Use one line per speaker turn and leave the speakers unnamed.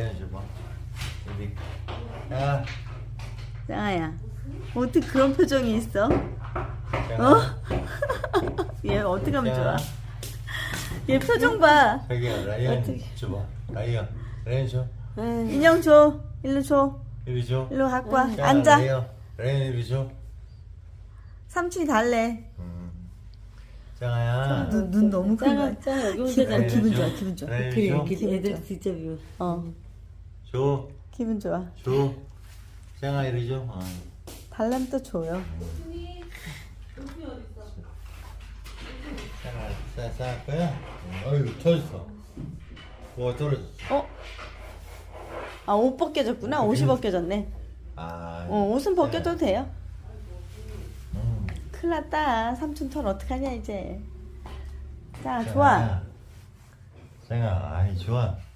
레온 줘봐. 여기. 야,
짱아야, 어떻게 그런 표정이 있어?
짱아.
얘 어떻게 하면 좋아?
짱아.
얘 표정 봐.
자기야, 라이언 줘봐. 라이언, 레온 줘.
인형 줘. 일로 줘.
이리 줘.
일로 갖고 와.
짱아,
앉아.
라이언 이리 줘.
삼촌이 달래.
짱아야.
눈 너무 큰 거야.
짱아 여기 혼자잖아.
기분 좋아, 기분 좋아.
라이언
그래
줘.
그 애들 진짜 미워.
줘.
기분 좋아.
줘. 짱아 이리 줘.
달라면 또 줘요.
짱아, 싸할 거야? 어휴, 터졌어. 뭐 떨어졌어.
어? 아, 옷 벗겨졌구나. 옷이 벗겨졌네.
아.
옷은 벗겨도 돼요.
음.
큰일 났다. 삼촌 털 어떡하냐 이제. 자, 좋아.
짱아, 아이 좋아.